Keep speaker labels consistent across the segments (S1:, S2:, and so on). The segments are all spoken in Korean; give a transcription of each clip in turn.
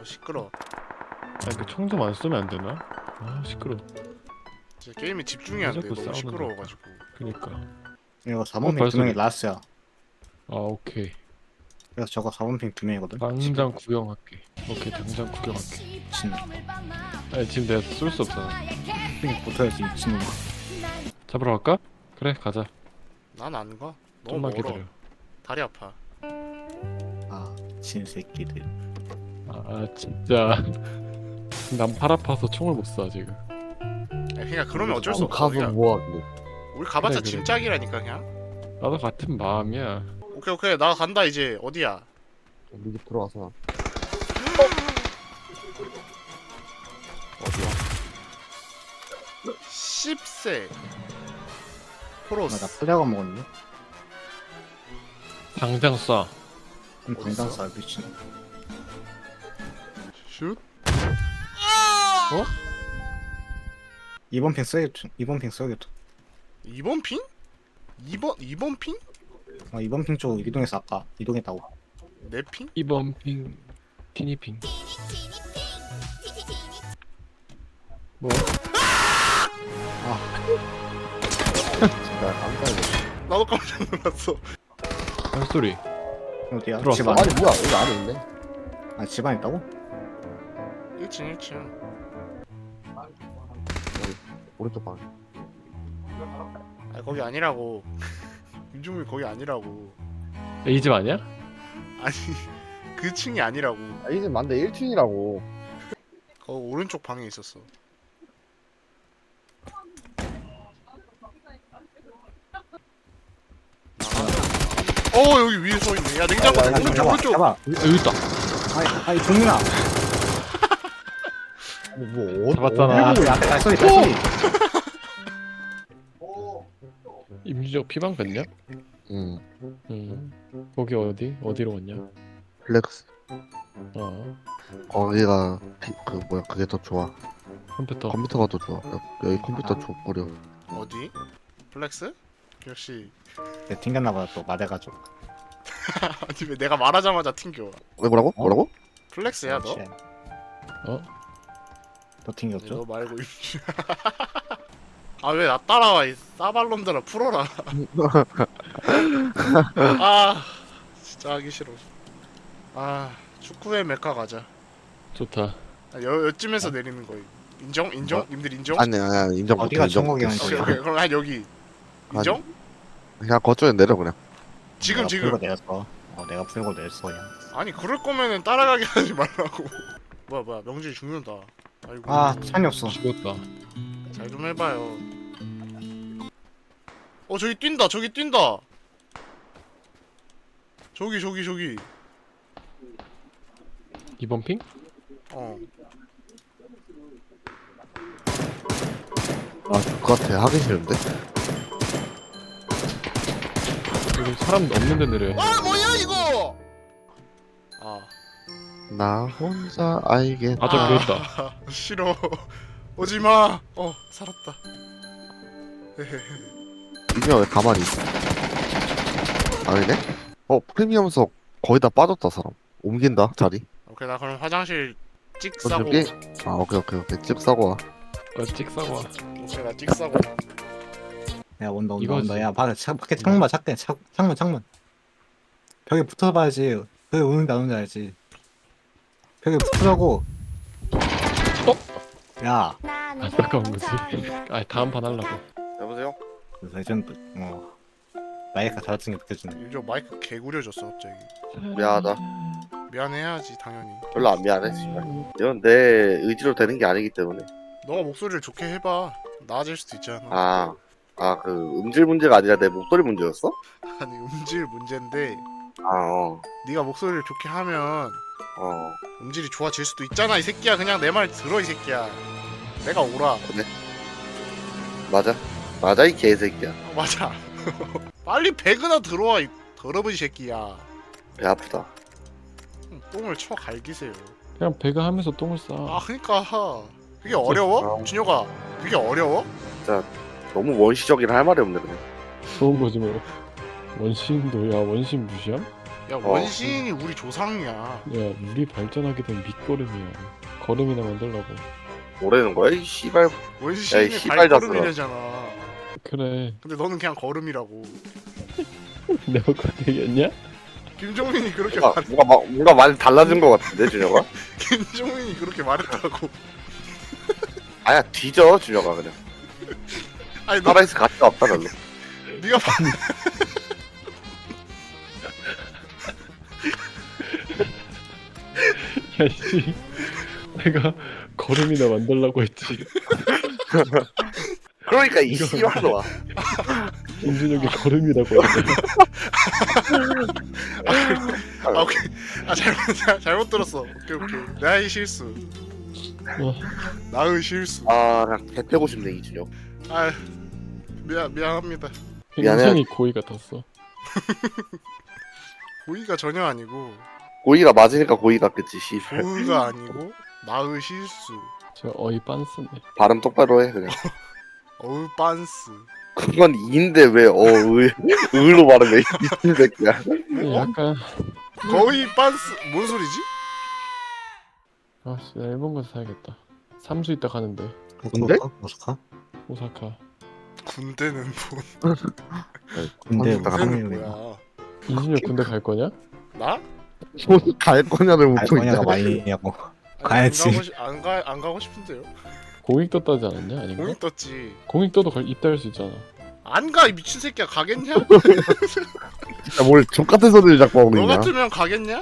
S1: 시끄러.
S2: 아니 그 총 좀 안 쏘면 안 되나? 아 시끄러.
S1: 진짜 게임에 집중이 안 돼.
S2: 자꾸
S1: 너무
S2: 싸우는
S1: 시끄러워가지고.
S2: 그니까.
S3: 이거 4번 핑 두
S2: 발소리.
S3: 명이 라스야.
S2: 아 오케이.
S3: 그래서 저거 4번 핑 두 명이거든.
S2: 당장 구경할게. 오케이 당장 구경할게.
S3: 미친.
S2: 아니 지금 내가 쏠 수 없잖아.
S3: 핑 붙어야지 미친놈아.
S2: 잡으러 갈까? 그래 가자.
S1: 난 안 가. 너무
S2: 좀만
S1: 멀어.
S2: 기다려.
S1: 다리 아파.
S3: 아 진새끼들.
S2: 아 진짜. 난 팔 아파서 총을 못 쏴 지금.
S1: 야, 그냥 그러면 어쩔 수 없어.
S4: 가서
S1: 그냥
S4: 뭐하길래.
S1: 우리 가봤자
S2: 그래.
S1: 짐짝이라니까 그냥.
S2: 나도 같은 마음이야.
S1: 오케이 오케이 나 간다 이제. 어디야?
S4: 우리 집 들어와서.
S1: 어디야? 10세 프로스.
S3: 나 플레어가 먹었네.
S2: 당장 쏴.
S3: 당장 쌀 미친.
S1: 슛.
S3: 2번 핑 써야겠죠. 2번 핑 써야겠죠.
S1: 2번 핑? 2번 핑?
S3: 2번 핑 쪽 이동해서 아까 이동했다고.
S1: 내 핑?
S2: 2번 핑. 티니핑. 뭐?
S4: 진짜 깜짝이야.
S1: 나도 깜짝 놀랐어.
S2: 발소리.
S3: 어디야?
S2: 들어왔어.
S3: 집안.
S4: 아니 뭐야 여기 안에 있네.
S3: 아 집안 있다고?
S1: 1층 1층.
S4: 오른쪽 방.
S1: 아 거기 아니라고. 윤종민 거기 아니라고.
S2: 이 집 아니야?
S1: 아니 그 층이 아니라고.
S4: 아, 이집 맞는데 1층이라고.
S1: 거 오른쪽 방에 있었어. 여기 위에 서 있네. 야 냉장고
S4: 야, 야,
S1: 오른쪽
S3: 잡아,
S1: 오른쪽.
S3: 잡아.
S2: 여기 있다.
S3: 아이 종민아.
S4: 아니 뭐
S2: 잡았잖아.
S3: 야 발소리 발소리.
S2: 임주적 피방 갔냐?
S4: 응.
S2: 거기 어디? 어디로 갔냐?
S4: 플렉스.
S2: 어.
S4: 거기가 그 뭐야 그게 더 좋아.
S2: 컴퓨터.
S4: 컴퓨터가 더 좋아. 여기 컴퓨터 어려.
S1: 어디? 플렉스? 역시.
S3: 내 튕겼나보다 또 마대가지고.
S1: 아니 왜 내가 말하자마자 튕겨.
S4: 왜 뭐라고? 뭐라고?
S1: 플렉스야 너?
S2: 어?
S3: 또 튕겼죠?
S1: 너 말고 임주. 아 왜 나 따라와 이 싸발놈들아 풀어라. 아 진짜 하기 싫어. 아 축구의 메카 가자.
S2: 좋다.
S1: 여쯤에서 내리는 거임. 인정? 인정?
S4: 뭐?
S1: 님들 인정?
S4: 아니 인정 못해.
S3: 어디가
S4: 인정
S3: 천국이야,
S4: 못해.
S1: 오케이, 오케이. 그럼 한 여기. 인정?
S4: 그냥 거쪽에 내려 그냥.
S1: 지금
S3: 내가
S1: 지금.
S3: 풀고 내렸어. 내가 풀고 내렸어 그냥.
S1: 아니 그럴 거면은 따라가게 하지 말라고. 뭐야 명준이 죽는다. 아이고.
S3: 아 찬이 없어.
S2: 죽었다.
S1: 잘 좀 해봐요. 저기 뛴다. 저기 뛴다. 저기.
S2: 2번 핑?
S4: 아 그거 같아. 하기 싫은데.
S2: 여기 사람 없는 데 내려야 돼.
S1: 아 뭐야 이거?
S4: 나 혼자 알게.
S2: 아, 저기 있다.
S1: 싫어. 오지마. 살았다.
S4: 이게 왜 가만히 있어? 아니네? 프리미엄석 거의 다 빠졌다 사람. 옮긴다 자리.
S1: 오케이 나 그럼 화장실 찍
S4: 어,
S1: 싸고.
S4: 저기? 아 오케이 찝 싸고 와.
S2: 찍사고 와.
S1: 오케이 나 찍 싸고.
S3: 야 온다.
S2: 이거지.
S3: 야 밖에 창문 봐. 창문. 벽에 붙어봐야지. 벽에 오는지 안 오는지 알지. 벽에 붙으라고. 야
S2: 안타까운 거지. 아 다음 판 하려고.
S4: 여보세요?
S3: 레전드. 나이가 달라진 게 느껴지네.
S1: 요즘 마이크 개구려졌어 갑자기.
S4: 미안하다.
S1: 미안해야지 당연히.
S4: 별로 안 미안해 씨발. 이건 내 의지로 되는 게 아니기 때문에.
S1: 너가 목소리를 좋게 해봐. 나아질 수도 있잖아.
S4: 그 음질 문제가 아니라 내 목소리 문제였어?
S1: 아니 음질 문제인데
S4: 어.
S1: 네가 목소리를 좋게 하면 음질이 좋아질 수도 있잖아 이 새끼야. 그냥 내 말 들어 이 새끼야. 내가 오라.
S4: 맞아 이 개새끼야.
S1: 맞아. 빨리 배그나 들어와 이 더러운 새끼야.
S4: 배 아프다.
S1: 똥을 쳐 갈기세요.
S2: 그냥 배가 하면서 똥을 싸.
S1: 그니까 그게 어려워? 준혁아 그게 어려워?
S4: 너무 원시적이라 할 말이 없네 그냥.
S2: 좋은 거지 뭐. 원신도 야 원신 무시함?
S1: 야 원시인이 우리 조상이야.
S2: 야 우리 발전하게 된 밑거름이야. 걸음이나 만들라고.
S4: 뭐라는 거야 이 씨발. 야,
S1: 원시인이
S4: 이 씨발
S1: 발걸음이래잖아.
S2: 그래.
S1: 근데 너는 그냥 걸음이라고.
S2: 내가 그렇게 얘기했냐?
S1: 김종민이 그렇게
S4: 뭔가 많이 달라진 것 같은데 준혁아?
S1: 김종민이 그렇게 말했다고.
S4: 아야 뒤져 준혁아 그냥.
S1: 아니 너
S4: 살아있을 가치가 없다 별로.
S1: 네가 봐.
S2: 야씨. 내가 걸음이나 만들라고 했지.
S4: 그러니까 이 씨발로와.
S2: 김준혁이 걸음이라고 했지.
S1: 아 오케이. 아 잘못 들었어. 오케이. 나의 실수.
S2: 어.
S1: 나의 실수.
S4: 아 그냥 개 패고 싶네 이준혁.
S1: 아 미안합니다.
S4: 미안해.
S2: 굉장히 고의 같았어.
S1: 고의가 전혀 아니고
S4: 고의가 맞으니까 고의 같겠지 씨발.
S1: 고의가 아니고 나의 실수.
S2: 저 어이 빤스네.
S4: 발음 똑바로 해 그냥.
S1: 어우 빤스.
S4: 그건 이인데 왜 의로 말하면 이 새끼야.
S1: 뭐?
S2: 약간
S1: 거의 빤스 뭔 소리지?
S2: 아씨 나 일본 가서 사야겠다. 삼수 있다 가는데.
S4: 군대?
S3: 오사카?
S2: 오사카.
S1: 군대는 뭐?
S3: 근데
S4: 군대
S1: 군대는
S3: 무슨
S1: 뭐야?
S2: 이준혁 군대 갈 거냐?
S1: 나?
S4: 갈 거냐를 묻고 있다.
S3: 알거냐가 많이냐고.
S1: 아니,
S3: 가야지.
S1: 안 가고 싶은데요.
S2: 공익 떴다지 않았냐? 아닌가?
S1: 공익 떴지.
S2: 공익 떠도 입다 할 수 있잖아.
S1: 안 가 이 미친 새끼야. 가겠냐?
S4: 진짜 뭘 족같은 소리를 자꾸 하고
S1: 너
S4: 있냐.
S1: 같으면 가겠냐?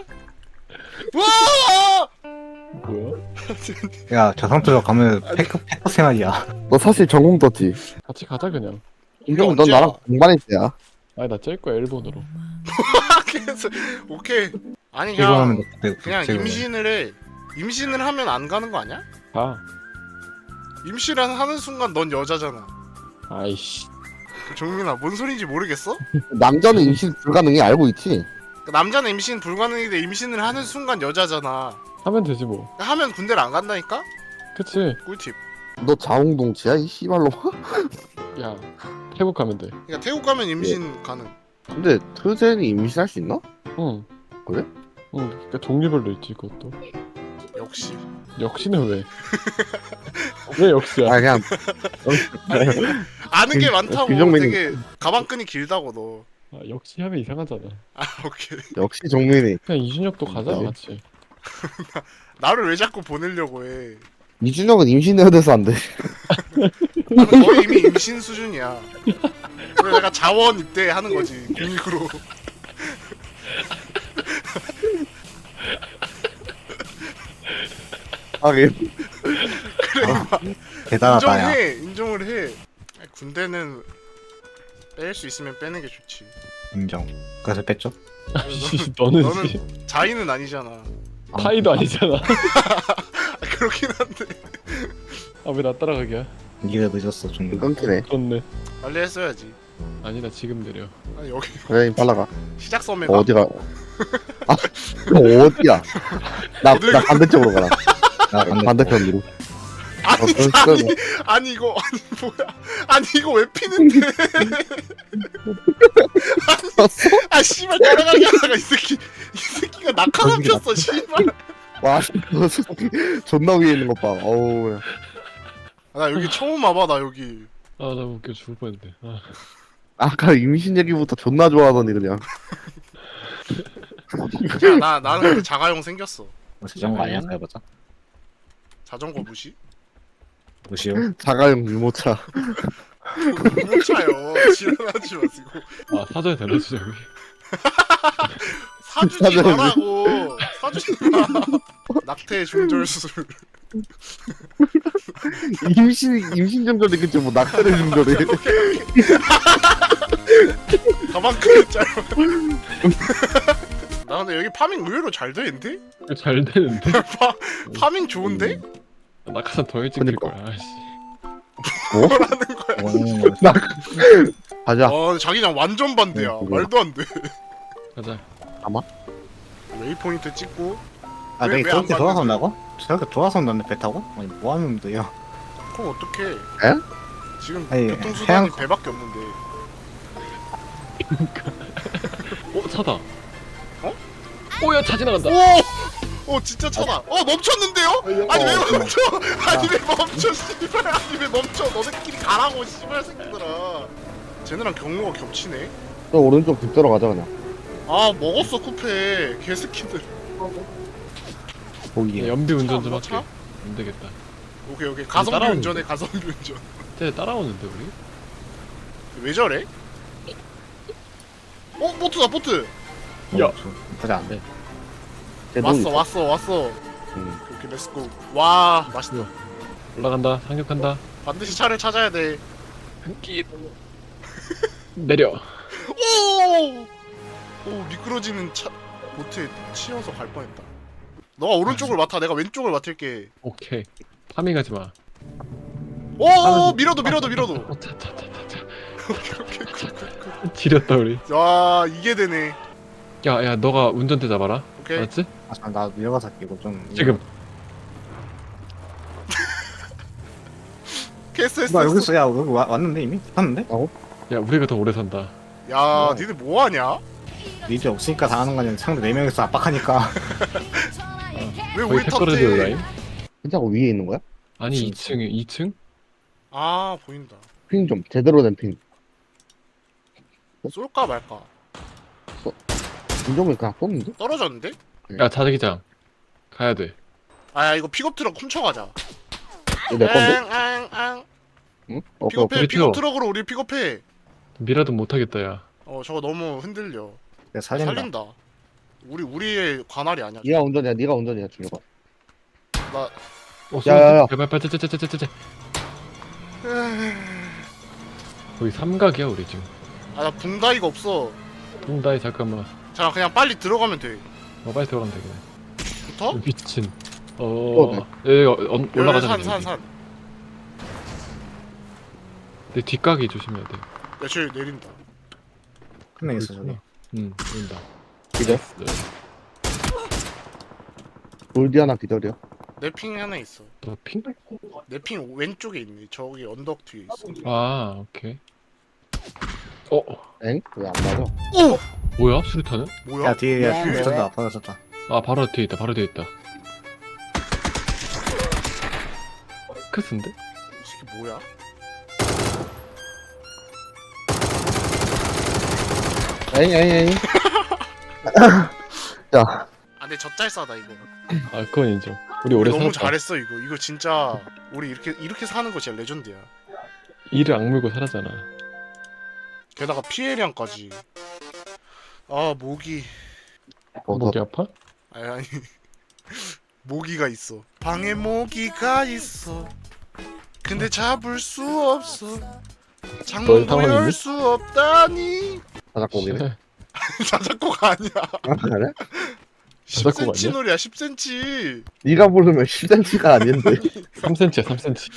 S1: 와!
S2: 뭐야?
S3: 야 저상투로 가면 패커 생활이야.
S4: 너 사실 전공 떴지.
S2: 같이 가자 그냥.
S4: 김경훈 넌
S1: 언제야?
S4: 나랑 동반일 때야.
S2: 아니 나 짤 거야 일본으로.
S1: 그래서 오케이. 아니
S3: 이거는
S1: 그냥 임신을 해. 임신을 하면 안 가는 거 아니야?
S2: 가.
S1: 임신을 하는 순간 넌 여자잖아.
S2: 아이씨.
S1: 종민아 뭔 소린지 모르겠어?
S4: 남자는 임신 불가능해 알고 있지?
S1: 남자는 임신 불가능인데 임신을 하는 순간 여자잖아.
S2: 하면 되지 뭐.
S1: 하면 군대를 안 간다니까?
S2: 그치?
S1: 꿀팁.
S4: 너 자웅동치야 이 씨발로.
S2: 야 태국 가면 돼.
S1: 그러니까 태국 가면 임신 가능.
S4: 근데 트젠이 임신할 수 있나?
S2: 응.
S4: 그래?
S2: 응. 그러니까 종류별로 있지 그것도.
S1: 역시.
S2: 역시는 왜? 왜 역시야?
S4: 아 그냥
S1: 아는 게 많다고.
S4: 김종민이-
S1: 되게 가방끈이 길다고 너.
S2: 아, 역시 하면 이상하잖아.
S1: 아 오케이.
S4: 역시 종민이.
S2: 그냥 이준혁도 가자
S4: 네.
S2: 같이.
S1: 나를 왜 자꾸 보내려고 해?
S4: 이준혁은 임신해야 돼서 안 돼.
S1: 나는 거의 이미 임신 수준이야. 그래 내가 자원 입대하는 거지 공익으로.
S4: 아 예.
S3: 대단하다 야.
S1: 인정을 해. 아니, 군대는 뺄 수 있으면 빼는 게 좋지.
S3: 인정. 그래서 뺐죠.
S2: 아이씨 너는 씨.
S1: 너는 자인은 아니잖아.
S2: 파이도 아니잖아.
S1: 그렇긴 한데
S2: 아 왜 나 따라가기야?
S3: 니가 늦었어 좀.
S4: 끊기네.
S2: 그렇네.
S1: 빨리 했어야지.
S2: 아니 나 지금 내려.
S1: 아니 여기
S4: 그래 빨라 가.
S1: 시작 섬에 가.
S4: 어디가? 아 어디야? 나 반대쪽으로 가라.
S3: 나 반대.
S4: 반대편으로.
S1: 아니 아니 이거 아니 뭐야? 아니 이거 왜 피는데? 아 씨발 따라가게 하다가 이 새끼가 낙하산 폈어 씨발.
S4: 와 존나 위에 있는 것 봐. 어우.
S1: 아, 나 여기 처음 와봐 나 여기.
S2: 아 나 웃겨 죽을 뻔했네. 아.
S4: 아까 임신 얘기부터 존나 좋아하더니 그냥.
S1: 야 나는 근데 자가용 생겼어.
S3: 자전거 아니야? 해보자.
S1: 자전거 무시?
S3: 무시요.
S4: 자가용 유모차.
S1: 못 차요. 지랄하지 마시고.
S2: 아 사전에 대놓지 여기.
S1: 사주지
S4: 사전에
S1: 말라고. 사주지 마. 낙태 중절 수술.
S4: 임신 정절이 그치 뭐 낙태를 정절이.
S1: 가방 크게 짧아. 나 근데 여기 파밍 의외로 잘 되는데?
S2: 잘 되는데?
S1: 파밍 좋은데?
S2: 낙하산 더 일찍 될 거야. 아씨.
S1: 뭐라는 거야?
S3: 원하는 거.
S4: 가자.
S1: 어 자기장 완전 반대야.
S4: 그거.
S1: 말도 안 돼.
S2: 가자.
S1: 웨이포인트 찍고.
S3: 아
S1: 왜-
S3: 내가
S1: 왜안
S3: 저렇게 돌아서
S1: 봤는데?
S3: 온다고? 저렇게 돌아서 온다는데 배 타고? 아니 뭐 하면 돼요?
S1: 그럼 어떡해?
S4: 에?
S1: 지금
S3: 아니,
S1: 교통수단이
S3: 해양-
S1: 배밖에 없는데.
S2: 어 차다.
S1: 어?
S2: 오야 차 지나간다.
S1: 오 진짜 차다. 멈췄는데요? 아니 왜 멈춰? 아니 왜 멈춰? 씨발 아니 왜 멈춰? 너네끼리 가라고 씨발 새끼들아. 쟤네랑 경로가 겹치네.
S4: 저 오른쪽 집 들어가자 그냥.
S1: 아 먹었어 쿠페 개새끼들.
S3: 보기에.
S2: 연비 운전 좀
S1: 차?
S2: 할게. 안 되겠다.
S1: 오케이 가성비
S2: 따라오는데?
S1: 운전해 가성비 운전.
S2: 쟤 따라오는데 우리?
S1: 왜 저래? 보트다 보트.
S2: 야.
S3: 보자 안 돼.
S1: 왔어.
S4: 응.
S1: 오케이 렛츠고. 와 맛있다.
S2: 올라간다. 상륙한다.
S1: 반드시 차를 찾아야 돼.
S2: 한끼 내려.
S1: 오 미끄러지는 차 보트에 치여서 갈 뻔했다. 너가 오른쪽을 맡아. 내가 왼쪽을 맡을게.
S2: 오케이. 파밍하지 마.
S1: 오 밀어도.
S2: 차차차차차.
S1: 오케이 굿.
S2: 지렸다 우리.
S1: 와 이게 되네.
S2: 야야 너가 운전대 잡아라.
S1: 오케이.
S2: 알았지?
S3: 아, 나 밀어가서 할게 이거 좀.
S2: 지금.
S1: 캐스
S3: 나 여기
S1: 했어.
S3: 있어. 야 여기 왔는데 이미? 왔는데?
S2: 야 우리가 더 오래 산다.
S1: 야 니들 뭐하냐?
S3: 니들 없으니까 당하는 거 아니야. 상대 4명이서 압박하니까.
S1: 왜
S2: 거의
S1: 우리
S2: 패거리드
S1: 탓해?
S2: 라인?
S4: 진짜 위에 있는 거야?
S2: 아니
S3: 진짜.
S2: 2층에 2층?
S1: 아 보인다.
S4: 핑 좀 제대로 된 핑.
S1: 쏠까 말까?
S4: 김종민 그냥 쏘는데?
S1: 떨어졌는데?
S2: 야 자기장 가야 돼.
S1: 아 이거 픽업 트럭 훔쳐가자.
S4: 이거 내 건데?
S1: 앙.
S4: 응?
S1: 픽업해.
S2: 우리
S1: 픽업
S2: 튀어.
S1: 트럭으로 우리 픽업해.
S2: 미라도 못하겠다 야.
S1: 저거 너무 흔들려.
S3: 내가 살린다.
S1: 살린다. 우리의 관할이 아니야.
S4: 네가 운전이야. 네가 운전이야. 준혁아.
S1: 나
S4: 야야야.
S2: 제발 짜짜짜짜짜짜. 거의 삼각이야 우리 지금.
S1: 나 붕다이가 없어.
S2: 뚱다이 잠깐만.
S1: 자 그냥 빨리 들어가면 돼.
S2: 빨리 들어가면 되겠네.
S1: 붙어?
S2: 미친.
S4: 네.
S2: 올라가자.
S1: 산.
S2: 내 뒷가기 조심해야 돼.
S1: 야 쟤 내린다.
S3: 한 명 있어 저기.
S2: 응, 보인다.
S4: 기절.
S2: 네.
S4: 돌디 하나 기절이야.
S1: 내 핑 하나 있어.
S2: 너 핑?
S1: 내 핑 왼쪽에 있네. 저기 언덕 뒤에 있어.
S2: 아, 오케이.
S4: 엥? 왜 안 맞아?
S1: 오!
S2: 뭐야? 수류탄은?
S1: 뭐야?
S3: 야 뒤에 야 붙었다. 받아줬다.
S2: 아, 바로 뒤에 있다. 바로 뒤에 있다. 크스인데?
S1: 이 새끼 뭐야?
S4: 에잉. 야,
S1: 아 근데 젖잘싸다 이거.
S2: 아, 그건 인정. 우리 오래
S1: 너무
S2: 살았다.
S1: 잘했어 이거. 이거 진짜 우리 이렇게 사는 거 진짜 레전드야.
S2: 이를 악물고 살았잖아.
S1: 게다가 피해량까지. 아 모기.
S2: 목이 아파?
S1: 아니 모기가 있어. 방에 모기가 있어. 근데 잡을 수 없어.
S2: 너의
S1: 창문도
S2: 상황이니?
S1: 열 수 없다니.
S4: 자작곡이네.
S1: 자작곡 아니야.
S4: 아, 그래?
S2: 자작곡
S1: 10cm
S2: 아니야?
S1: 노래야 10cm.
S4: 네가 부르면 10cm가 아닌데.
S2: 3cm야, 3cm.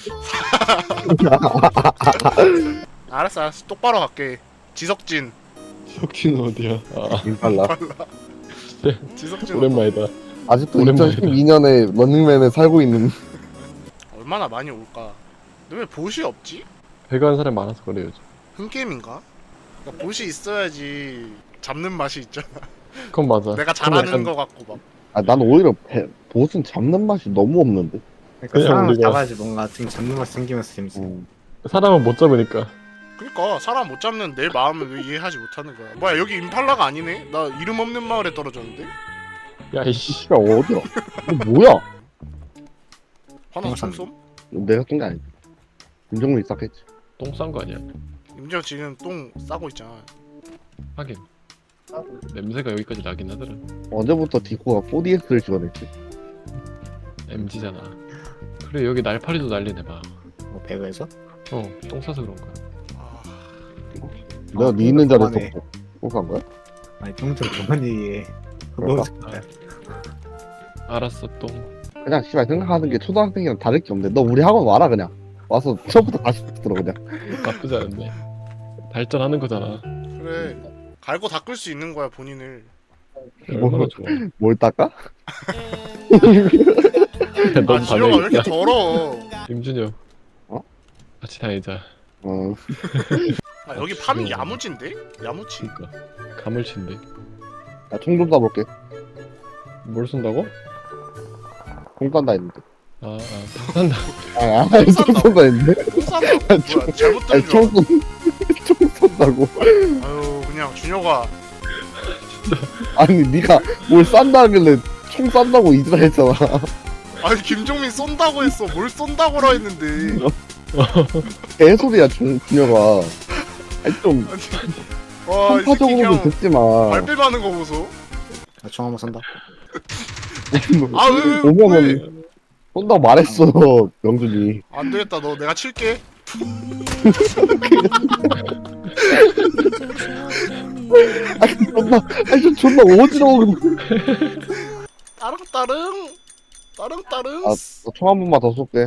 S1: 알았어 똑바로 갈게. 지석진.
S2: 석진은 어디야? 아,
S4: 임팔라.
S1: 지석진
S2: 오랜만이다.
S4: 아직도
S2: 오랜만이다.
S4: 2012년에 런닝맨에 살고 있는.
S1: 얼마나 많이 올까? 근데 왜 보시 없지?
S2: 배가 한 사람 많아서 그래, 요즘.
S1: 흥게임인가? 그러니까 보시 있어야지 잡는 맛이 있잖아.
S2: 그건 맞아.
S1: 내가
S2: 그건
S1: 잘하는
S2: 약간
S1: 거 같고 막.
S4: 아, 난 오히려 보스는 잡는 맛이 너무 없는데.
S3: 그러니까
S2: 그냥
S3: 사람을
S2: 우리가-
S3: 잡아야지 뭔가 좀 잡는 맛 생기면서 재밌어.
S2: 사람은 못 잡으니까.
S1: 그니까 사람 못 잡는 내 마음을 왜 이해하지 못하는 거야. 뭐야 여기 임팔라가 아니네? 나 이름 없는 마을에 떨어졌는데?
S2: 야, 이씨.
S4: 씨가 어디야? 이거 뭐야?
S1: 화나
S3: 똥 쌌네.
S1: 솜솜?
S4: 내가 쏜 게 아니지. 김정민이 쌌겠지.
S2: 똥 싼 거 아니야?
S1: 임정 지금 똥 싸고 있잖아.
S2: 하긴. 냄새가 여기까지 나긴 하더라.
S4: 언제부터 디코가 4DX를 지원했지?
S2: MG잖아. 그래, 여기 날파리도 날리네 봐.
S3: 뭐 배그에서?
S2: 똥 싸서 그런 거야.
S1: 아,
S4: 내가 네 있는 자리에서
S3: 그만해.
S4: 쏜 거야?
S3: 아니 평소에 그만 얘기해.
S4: 그럴까?
S3: 너무 좋다.
S2: 알았어, 똥.
S4: 그냥 씨발 생각하는 게 초등학생이랑 다를 게 없는데 너 우리 학원 와라 그냥. 와서 처음부터 다시 들어 그냥.
S2: 나쁘지 않네. 발전하는 거잖아.
S1: 그래 갈고 닦을 수 있는 거야 본인을.
S2: 얼마나 좋아.
S4: 뭘 닦아?
S2: 넌
S1: 아 지효가 왜
S2: 반응이
S1: 이렇게 더러워.
S2: 임준혁.
S4: 어?
S2: 같이 다니자.
S4: 어.
S1: 아 여기 파밍 야무진데? 야무치.
S2: 그니까. 가물친데.
S4: 나 총 좀 쏴볼게.
S2: 뭘 쏜다고?
S4: 공 깐다 했는데.
S2: 쏜다.
S4: 총 쏜다 했는데.
S1: 똥싼다 뭐야 잘못
S4: 아니,
S1: 들은 줄 알았어.
S4: 총 쏜다고.
S1: 아유 그냥 준혁아
S4: 아니, 네가 뭘 싼다 하길래 총 싼다고 이지랄 했잖아.
S1: 아니 김종민 쏜다고 했어 뭘 쏜다고라 했는데
S4: 개소리야, 준혁아. 아니, 좀,
S1: 와이 새끼
S4: 편파적으로도
S1: 그냥
S4: 듣지 마.
S1: 발뺌하는 거 보소
S3: 총 한번 쏜다.
S1: 아왜
S4: 오면은 쏜다고 말했어, 명준이.
S1: 안되겠다 너 내가 칠게
S4: 아니, 좀 존나 어지러워.
S1: 따릉따릉
S4: 아, 총 한 번만 더 쏠게.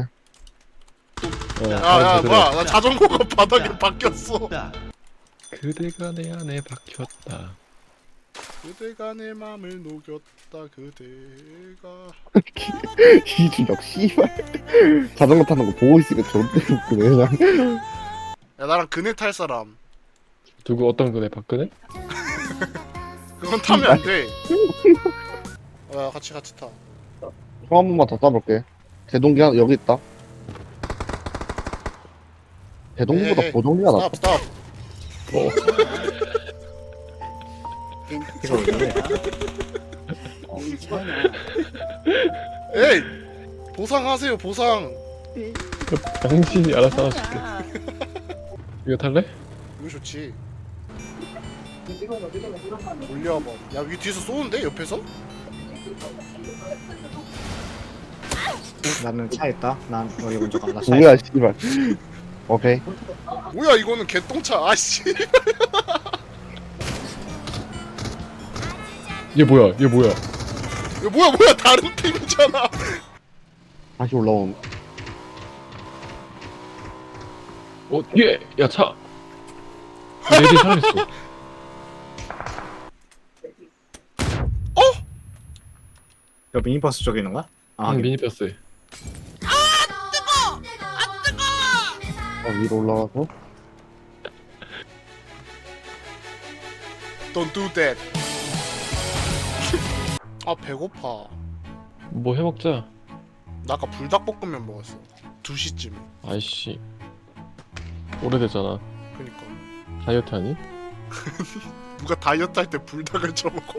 S1: 야야 뭐야 나 자전거가 바닥에 박혔어
S2: 그대가 내 안에 박혔다.
S1: 그대가 내 맘을 녹였다 그대가
S4: 이준혁, 씨발. 자전거 타는 거 보고 있으니까 존나 웃기네, 그냥.
S1: 야 나랑 그네 탈 사람
S2: 누구 어떤 거네 박근혜?
S1: 그건 타면 안돼 야 같이 타
S4: 총 한 번만 더 쏴볼게. 대동기 하나, 여기 있다. 대동기보다
S1: 에헤.
S4: 보동기가 낫다.
S1: 스탑
S3: 이거 왜
S1: 에이 보상하세요 보상
S2: 당신이 알아서 하실게. 이거 탈래?
S1: 이거 좋지 올려봐 야 위 뒤에서 쏘는데 옆에서?
S3: 나는 차 있다. 난 여기 먼저 가. 나차
S4: 뭐야, 씨발. 오케이.
S1: 뭐야 이거는 개똥차 아씨
S2: 얘 뭐야? 얘 뭐야?
S1: 이거 뭐야 다른 팀이잖아
S4: 다시 올라온.
S2: 뒤에 야 차. 내 뒤에 사람 있어.
S3: 저 미니버스 쪽에 있는 거야? 아,
S2: 응, 미니버스.
S4: 위로 올라가서.
S1: Don't do that 아 배고파
S2: 뭐 해먹자.
S1: 나 아까 불닭볶음면 먹었어 2시쯤에
S2: 아이씨. 오래됐잖아.
S1: 그니까
S2: 다이어트 하니?
S1: 누가 다이어트 할 때 불닭을 쳐먹어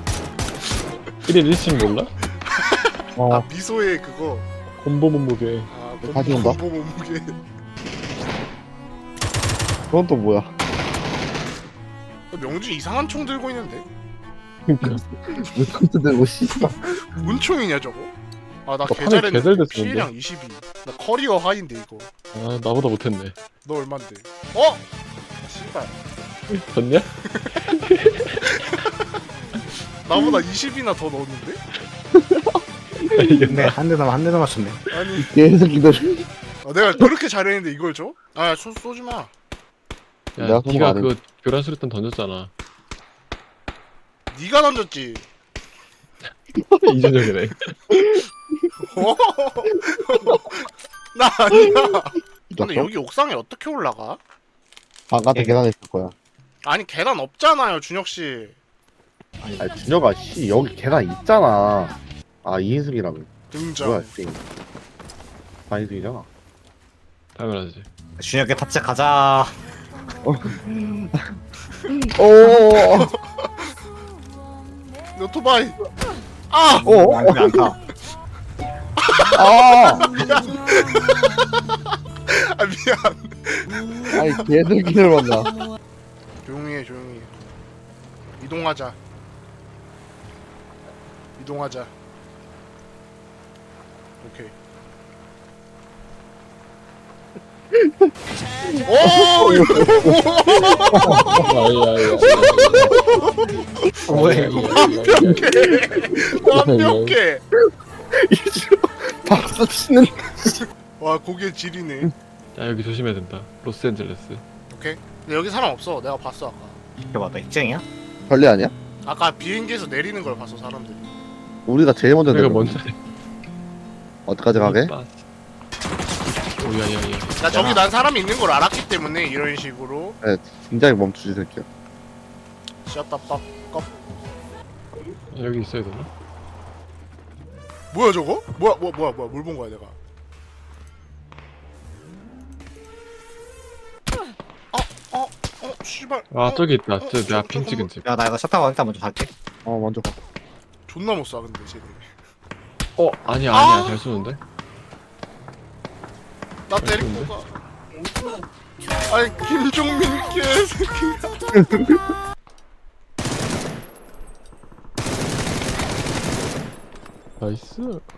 S2: 1일 1씩 몰라?
S1: 아 미소의 그거
S2: 콤보 몸무게.
S1: 아
S4: 다시 온다.
S1: 공보 몸무게
S4: 그건 또 뭐야?
S1: 명준 이상한 총 들고 있는데
S2: 그니까.
S4: 왜 컴퓨터 들고 씨발.
S1: 뭔 총이냐 저거? 아나
S2: 너 판에
S1: 개잘했는데
S2: 개잘됐었는데?
S1: 피해량 22 나 커리어 하인데 이거
S2: 아 나보다 못했네.
S1: 너 얼만데? 어? 아, 씨발
S2: 졌냐?
S1: 나보다 20이나 더 넣었는데?
S3: 네, 한 대도 맞췄네.
S1: 아니
S4: 개새끼들.
S1: 내가 그렇게 잘했는데 이걸 줘? 아 쏘지마
S2: 야
S4: 내가 쏜거
S2: 니가
S4: 아닌데.
S2: 그거 교란 수류탄 던졌잖아.
S1: 니가 던졌지
S2: 이준혁이네.
S1: 어? 나 아니야 근데 여기 옥상에 어떻게 올라가?
S4: 바깥에 계단에 있을 거야.
S1: 아니 계단 없잖아요 준혁씨
S4: 아니, 준혁아, 씨, 여기 계단 있잖아. 아, 이인승이라고.
S1: 등장
S4: 뭐야, 씨. 반인승이잖아.
S2: 당연하지.
S3: 준혁이 탑재 가자.
S4: 오,
S1: 오토바이 아!
S3: 안 안 타.
S4: 아,
S1: 아 미안
S4: 아니, 개새끼들 만나.
S1: 조용히 해 조용히 해 이동하자 오케이 오!
S2: 아야야.
S1: 완벽해
S4: 박수 치는.
S1: 와 고개 지리네
S2: 야 여기 조심해야 된다. 로스앤젤레스.
S1: 오케이 근데 여기 사람 없어 내가 봤어 아까
S3: 이거 봐, 입쟁이야?
S4: 별리 아니야?
S1: 아까 비행기에서 내리는 걸 봤어 사람들이
S4: 우리가 제일 먼저
S2: 내가
S4: 내려.
S2: 먼저.
S4: 어디까지 가게?
S2: 오야야야.
S1: 나 저기 난 사람이 있는 걸 알았기 때문에 이런 식으로
S4: 네, 굉장히 멈추지, 새끼야.
S1: 샷다 빡
S2: 여기 있어야 되나?
S1: 뭐야 저거? 뭐야 뭘 본 거야 내가? 씨발.
S2: 아 저기 있다. 저 내가
S1: 저
S2: 핑 찍은 집.
S3: 야 나 이거 차 타고 일단 먼저 갈게.
S4: 먼저 가.
S1: 존나 못 쏴 근데 쟤네.
S2: 아니야
S1: 아!
S2: 잘 쏘는데.
S1: 나 데리고 가. 아니 김종민 개새끼.
S2: 나이스.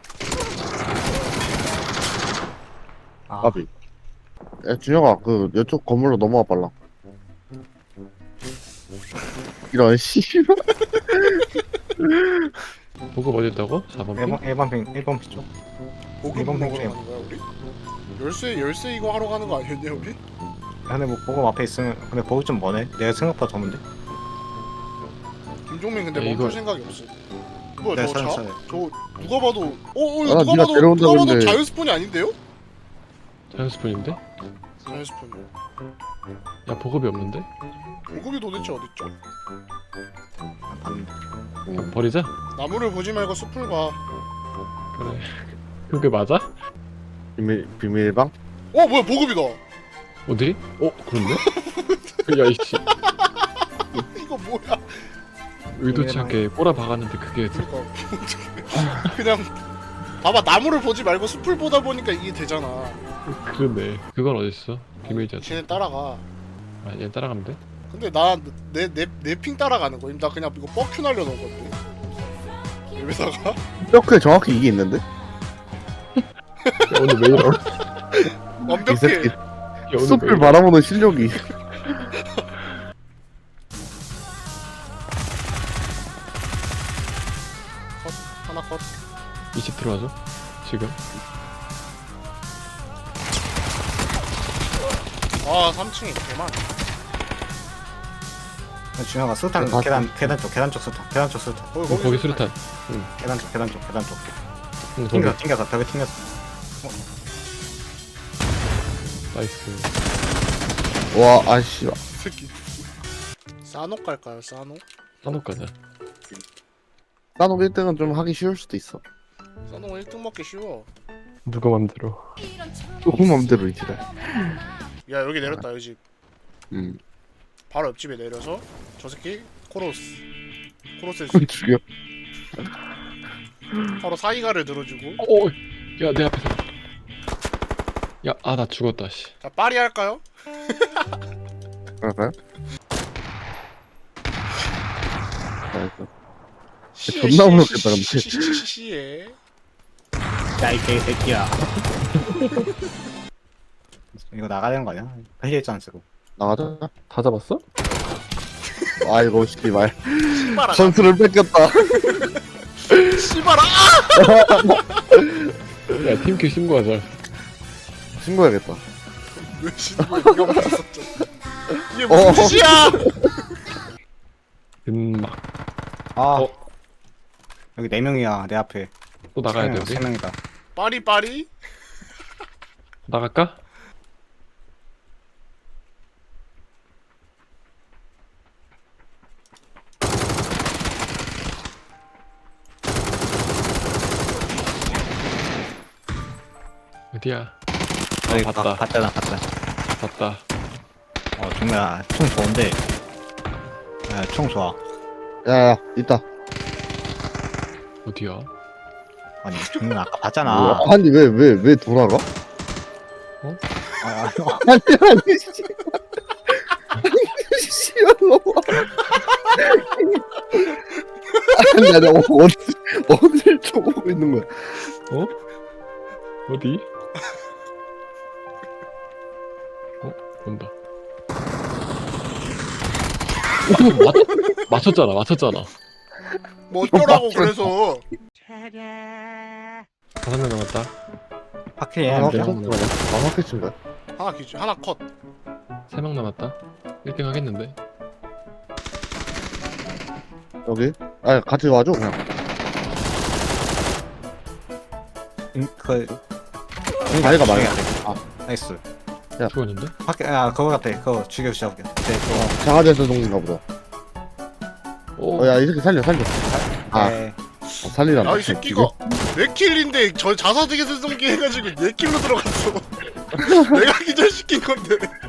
S3: 아
S4: 까비. 야 준혁아 그 이쪽 건물로 넘어와 빨라. 이런 씨발.
S2: 보급 어디 있다고? 4번 핑?
S3: 1번 피 쪽.
S1: 보급
S3: 이번
S1: 먹으러
S3: 핑크예요.
S1: 가는 거야 우리? 열쇠 이거 하러 가는 거 아니었냐 우리?
S3: 근데 뭐 보급 앞에 있으면 근데 보급 좀 머네. 내가 생각보다 더문데.
S1: 김종민 근데
S2: 야,
S1: 멈출
S2: 이거-
S1: 생각이 없어. 뭐야
S3: 네,
S1: 저 차?
S3: 사요.
S1: 저 누가 봐도 이거
S4: 아,
S1: 누가
S4: 네가
S1: 봐도
S4: 데려온다고
S1: 누가 봐도
S4: 했는데.
S1: 자연스폰이 아닌데요?
S2: 자연스푼인데?
S1: 자연스폰.
S2: 야 보급이 없는데?
S1: 보급이 도대체 어딨죠?
S2: 그냥 버리자.
S1: 나무를 보지 말고 숲을 봐.
S2: 그래. 그게 맞아?
S4: 비밀방?
S1: 뭐야 보급이다.
S2: 어디? 그런데? 야 이씨
S1: 이거 뭐야?
S2: 의도치 않게 꼬라 박았는데 그게
S1: 그러니까 그냥 봐봐 나무를 보지 말고 숲을 보다 보니까 이게 되잖아.
S2: 그러네. 그건 어딨어? 비밀자.
S1: 쟤네 따라가.
S2: 얘 따라가면 돼?
S1: 근데 나 내 핑 따라가는 거임. 나 그냥 이거 뻑큐 날려놓은 건데. 여기다가
S4: 이렇게 정확히 이게 있는데?
S2: 야, 오늘 왜 이러?
S4: 이
S1: 완벽해.
S4: 새끼
S2: 야, 오늘 왜
S4: 숲을
S2: 이러?
S4: 바라보는 실력이.
S1: 컷 하나 컷.
S2: 20 들어와줘. 지금.
S1: 아 3층에 개만.
S3: 준혁아 수탄
S4: 봤어.
S3: 계단 쪽 수탄.
S2: 거기 수류탄.
S3: 계단 쪽.
S2: 응, 거기.
S3: 튕겨서 벽에 튕겼어.
S2: 나이스.
S4: 와 아씨.
S1: 새끼. 싸녹 갈까요 싸녹?
S2: 산옥 가자.
S4: 나노 1등은 좀 하기 쉬울 수도 있어.
S1: 싸녹 1등 먹기 쉬워.
S2: 누가 맘대로.
S4: 조금 맘대로 이제.
S1: 야 여기 내렸다 이 집. 바로 옆집에 내려서 저 새끼 코로스에
S4: 죽여.
S1: 바로 사이가를 들어주고.
S2: 야, 내 앞에서. 야, 나 죽었다, 씨.
S1: 자 파리 할까요?
S4: 그럴까요? 존나 무섭겠다, 근데.
S1: 시에.
S3: 야이 개새끼야. 이거 나가야 되는 거 아니야? 회의했잖아 지금.
S4: 나가자.
S2: 다 잡았어?
S4: 아이고 씨발.
S1: 씨발아.
S4: 선수를 뺏겼다.
S1: 씨발아.
S2: 야, 팀킬 신고하자.
S4: 신고해야겠다.
S1: 왜 신고해? 네가 못했었죠. 이게 무슨 짓이야?
S2: 막.
S3: 아 여기 4명이야 내 앞에.
S2: 또 나가야 돼, 우리?
S3: 3명이다.
S1: 파리.
S2: 나갈까? 어디야?
S3: 여기
S2: 봤다.
S3: 봤잖아.
S2: 봤다.
S3: 정말 총 좋은데. 총 좋아.
S4: 야야 있다.
S2: 어디야?
S3: 아니 정말 아까 봤잖아.
S4: 아니 왜 돌아가?
S3: 아,
S4: 아니 씨. 씨발 너무. 아니 어딜 쳐보고 있는 거야?
S2: 어디? 온다. 맞췄잖아.
S1: 뭐 어쩌라고 그래서.
S2: 5명 남았다.
S3: 파킬
S4: 아,
S3: 해야 돼.
S4: 마마켓인 거야?
S1: 하나 기준 하나 컷.
S2: 3명 남았다. 1등 하겠는데?
S4: 여기? 아 같이 와줘 그냥. 자기가 말해.
S3: 나이스.
S2: 죽었는데?
S3: 파킬 그거 같아. 그거 죽여 시작해. 그거.
S4: 장화제에서 동인가 보다.
S2: 오,
S4: 야 이 새끼 살려. 아.
S3: 네.
S4: 살리란다.
S1: 야 이 새끼가 내 킬인데 저 자사득에서 쏜기 해가지고 내 킬로 들어갔어. 내가 기절시킨 건데.